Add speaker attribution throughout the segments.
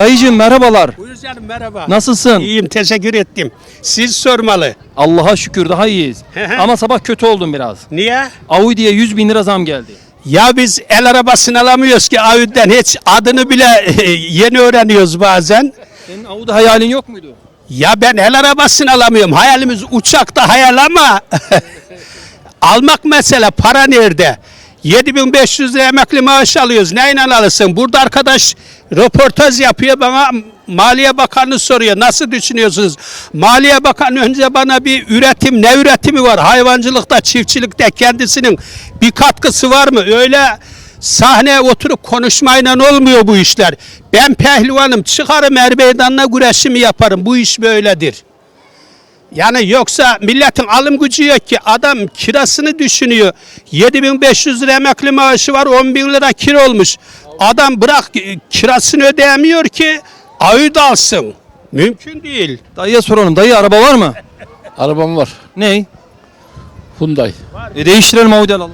Speaker 1: Dayıcığım merhabalar.
Speaker 2: Buyur canım, merhaba.
Speaker 1: Nasılsın?
Speaker 2: İyiyim, teşekkür ettim. Siz sormalı.
Speaker 1: Allah'a şükür daha iyiyiz. Ama sabah kötü oldum biraz.
Speaker 2: Niye?
Speaker 1: Audi'ye 100 bin lira zam geldi.
Speaker 2: Ya biz el arabasını alamıyoruz ki Audi'den, hiç adını bile yeni öğreniyoruz bazen.
Speaker 1: Senin Audi hayalin yok muydu?
Speaker 2: Ya ben el arabasını alamıyorum. Hayalimiz uçakta hayal ama almak mesele, para nerede? 7.500 lira emekli maaş alıyoruz. Neyle alırsın? Burada arkadaş röportaj yapıyor, bana Maliye Bakanı soruyor. Nasıl düşünüyorsunuz? Maliye Bakanı önce bana bir üretim, ne üretimi var? Hayvancılıkta, çiftçilikte kendisinin bir katkısı var mı? Öyle sahneye oturup konuşmayla olmuyor bu işler. Ben pehlivanım, çıkarım er meydanına güreşimi yaparım. Bu iş böyledir. Yani yoksa milletin alım gücü yok ki, adam kirasını düşünüyor. 7.500 lira emekli maaşı var, 10.000 lira kira olmuş. Adam bırak kirasını ödeyemiyor ki Audi alsın. Mümkün değil.
Speaker 1: Dayıya soralım. Dayı araba var mı?
Speaker 3: Arabam var.
Speaker 1: Ney?
Speaker 3: Hyundai.
Speaker 1: Değiştirelim Audi alalım.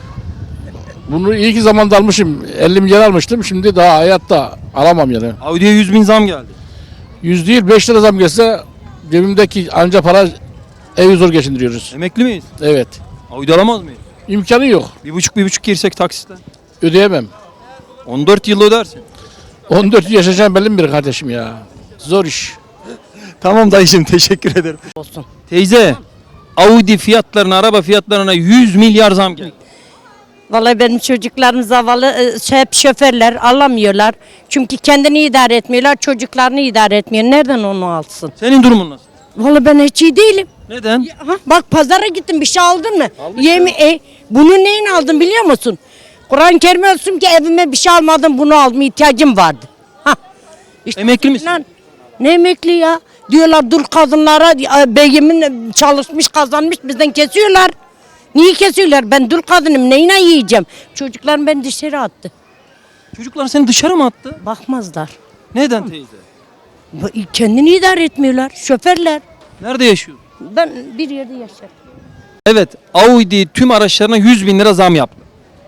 Speaker 3: Bunu iyi ki zamanda almışım. 50 milyar almıştım. Şimdi daha hayatta alamam yani.
Speaker 1: Audi'ye 100 bin zam geldi.
Speaker 3: 100 değil 5 lira zam gelse cebimdeki anca para evi zor geçindiriyoruz.
Speaker 1: Emekli miyiz?
Speaker 3: Evet.
Speaker 1: Audi alamaz mıyız?
Speaker 3: İmkanı yok.
Speaker 1: Bir buçuk girsek taksitten.
Speaker 3: Ödeyemem.
Speaker 1: 14 yıl ödersin.
Speaker 3: 14 yaşayacağım belli bir kardeşim ya. Zor iş.
Speaker 1: Tamam dayıcığım, teşekkür ederim.
Speaker 4: Olsun.
Speaker 1: Teyze, Audi fiyatlarına, araba fiyatlarına 100 milyar zam geldi.
Speaker 4: Vallahi benim çocuklarım zavallı, hep şoförler alamıyorlar. Çünkü kendini idare etmiyorlar, çocuklarını idare etmiyor. Nereden onu alsın?
Speaker 1: Senin durumun nasıl?
Speaker 4: Vallahi ben hiç iyi değilim.
Speaker 1: Neden?
Speaker 4: Ha, bak pazara gittim, bir şey aldın mı? Bunu neyin aldın biliyor musun? Kur'an-ı Kerim olsun ki evime bir şey almadım, bunu aldım, ihtiyacım vardı. Ha. İşte
Speaker 1: Emekli misin?
Speaker 4: lan, ne emekli ya? Diyorlar dul kadınlara, beyimin çalışmış kazanmış bizden kesiyorlar. Niye kesiyorlar? Ben dul kadınım, neyine yiyeceğim? Çocuklarım beni dışarı attı.
Speaker 1: Çocuklar seni dışarı mı attı?
Speaker 4: Bakmazlar.
Speaker 1: Neden teyze?
Speaker 4: Kendini idare etmiyorlar, şoförler.
Speaker 1: Nerede yaşıyorsun?
Speaker 4: Ben bir yerde yaşarım.
Speaker 1: Evet, Audi tüm araçlarına 100 bin lira zam yaptı.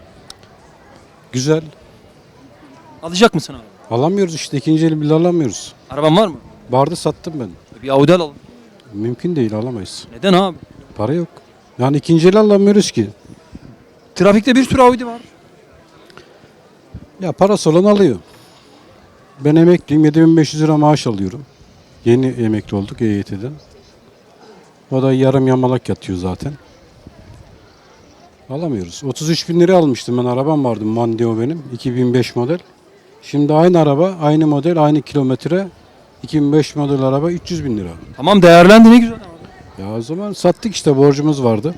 Speaker 5: Güzel.
Speaker 1: Alacak mısın abi?
Speaker 5: Alamıyoruz işte, ikinci el bile alamıyoruz.
Speaker 1: Araban var mı?
Speaker 5: Vardı, sattım ben.
Speaker 1: Bir Audi alalım.
Speaker 5: Mümkün değil, alamayız.
Speaker 1: Neden abi?
Speaker 5: Para yok. Yani ikinci el alamıyoruz ki.
Speaker 1: Trafikte bir sürü Audi var.
Speaker 5: Ya parası olan alıyor. Ben emekliyim, 7.500 lira maaş alıyorum. Yeni emekli olduk EYT'den. O da yarım yamalak yatıyor zaten. Alamıyoruz. 33 bin lira almıştım ben, arabam vardı, Mondeo benim, 2005 model. Şimdi aynı araba, aynı model, aynı kilometre, 2005 model araba 300 bin lira.
Speaker 1: Tamam, değerlendi, ne güzel abi.
Speaker 5: Ya o zaman sattık işte, borcumuz vardı.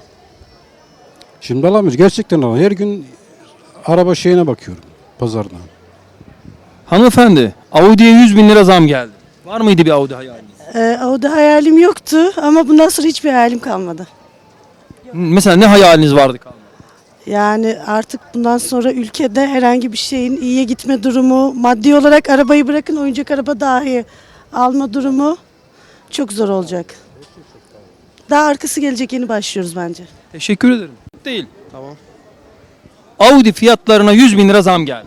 Speaker 5: Şimdi alamıyoruz. Gerçekten alamıyoruz. Her gün araba şeyine bakıyorum, pazarda.
Speaker 1: Hanımefendi, Audi'ye 100 bin lira zam geldi. Var mıydı bir Audi hayaliniz?
Speaker 6: O da hayalim yoktu ama bundan sonra hiçbir hayalim kalmadı.
Speaker 1: Mesela ne hayaliniz vardı kalmadı?
Speaker 6: Yani artık bundan sonra ülkede herhangi bir şeyin iyiye gitme durumu, maddi olarak arabayı bırakın oyuncak araba dahi alma durumu çok zor olacak. Daha arkası gelecek, yeni başlıyoruz bence.
Speaker 1: Teşekkür ederim. Değil. Tamam. Audi fiyatlarına 100 bin lira zam geldi.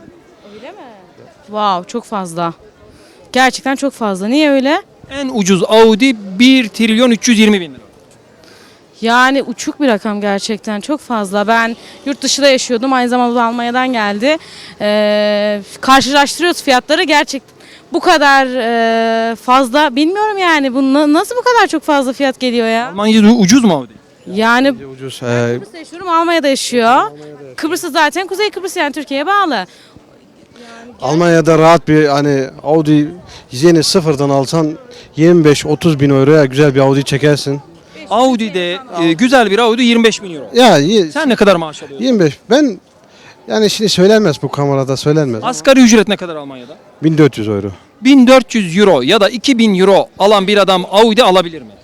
Speaker 7: Wow, çok fazla. Gerçekten çok fazla. Niye öyle?
Speaker 1: En ucuz Audi 1 trilyon 320 bin lira.
Speaker 7: Yani uçuk bir rakam gerçekten. Çok fazla. Ben yurt dışında yaşıyordum. Aynı zamanda Almanya'dan geldi. Karşılaştırıyoruz fiyatları. Gerçekten bu kadar fazla. Bilmiyorum yani. Bu nasıl bu kadar çok fazla fiyat geliyor ya?
Speaker 1: Almanya'da ucuz mu Audi?
Speaker 7: Yani
Speaker 8: Ucuz.
Speaker 7: Kıbrıs'ta yaşıyorum. Almanya'da yaşıyor. Kıbrıs'ta zaten Kuzey Kıbrıs, yani Türkiye'ye bağlı.
Speaker 8: Almanya'da rahat bir hani Audi yeni sıfırdan alsan 25-30 bin euroya güzel bir Audi çekersin.
Speaker 1: Audi'de güzel bir Audi 25 bin euro.
Speaker 8: Ya
Speaker 1: Sen ne kadar maaş alıyorsun?
Speaker 8: 25. Ben yani şimdi söylenmez, bu kamerada söylenmez.
Speaker 1: Asgari ücret ne kadar Almanya'da?
Speaker 8: 1400 euro.
Speaker 1: 1400 euro ya da 2000 euro alan bir adam Audi alabilir mi?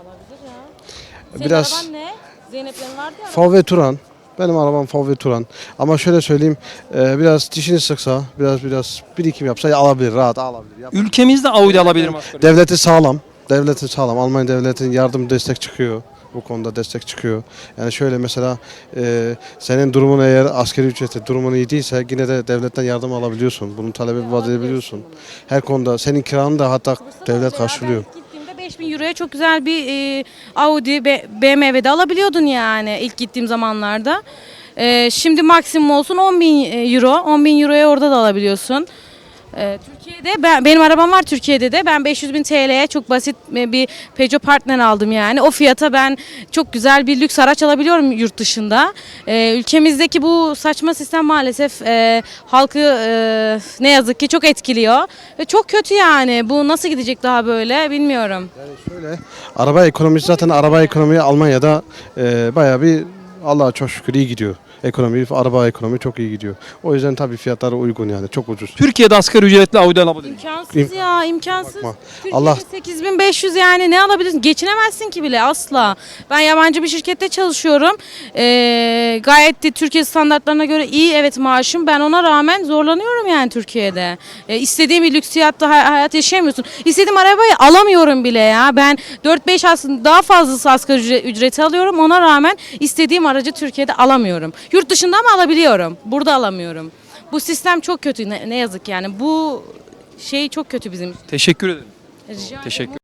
Speaker 8: Biraz
Speaker 7: Senin araban ne? Zeynep'lerin vardı ya.
Speaker 8: VW Touran. Benim arabam VW Touran. Ama şöyle söyleyeyim, biraz dişini sıksa, biraz birikim yapsa alabilir, rahat alabilir.
Speaker 1: Ülkemizde Audi alabilir mi asgari ücret?
Speaker 8: Devleti sağlam. Devleti sağlam. Almanya devletin yardım destek çıkıyor. bu konuda destek çıkıyor. Yani şöyle mesela senin durumun eğer asgari ücreti durumun iyi değilse yine de devletten yardım alabiliyorsun. Bunun talebi vaat edebiliyorsun. Her konuda senin kiranı da hatta devlet karşılıyor.
Speaker 7: Ben gittiğimde 5000 euroya çok güzel bir Audi, BMW'de alabiliyordun yani ilk gittiğim zamanlarda. Şimdi maksimum olsun 10.000 euro. 10.000 euroya orada da alabiliyorsun. Türkiye'de benim arabam var Türkiye'de de. Ben 500.000 TL'ye çok basit bir Peugeot Partner aldım yani. O fiyata ben çok güzel bir lüks araç alabiliyorum yurt dışında. Ülkemizdeki bu saçma sistem maalesef halkı ne yazık ki çok etkiliyor. Ve çok kötü yani. Bu nasıl gidecek daha böyle bilmiyorum.
Speaker 8: Şöyle araba ekonomisi zaten araba ekonomiyi Almanya'da bayağı bir Allah'a çok şükür iyi gidiyor. Araba ekonomi çok iyi gidiyor. O yüzden tabii fiyatları uygun yani çok ucuz.
Speaker 1: Türkiye'de asgari ücretle Audi alabilir miyim?
Speaker 7: İmkansız ya imkansız.
Speaker 8: Bakma.
Speaker 7: Türkiye'de
Speaker 8: Allah-
Speaker 7: 8500 yani ne alabilirsin? Geçinemezsin ki bile asla. Ben yabancı bir şirkette çalışıyorum. Gayet de Türkiye standartlarına göre iyi evet maaşım. Ben ona rağmen zorlanıyorum yani Türkiye'de. İstediğim bir lüksiyatta hayat yaşayamıyorsun. İstediğim arabayı alamıyorum bile ya. Ben 4-5 aslında daha fazlası asgari ücreti alıyorum. Ona rağmen istediğim aracı Türkiye'de alamıyorum. Yurt dışında ama alabiliyorum. Burada alamıyorum. Bu sistem çok kötü ne yazık yani. Bu şey çok kötü bizim.
Speaker 1: Teşekkür ederim.
Speaker 7: Rica ederim.
Speaker 1: Teşekkür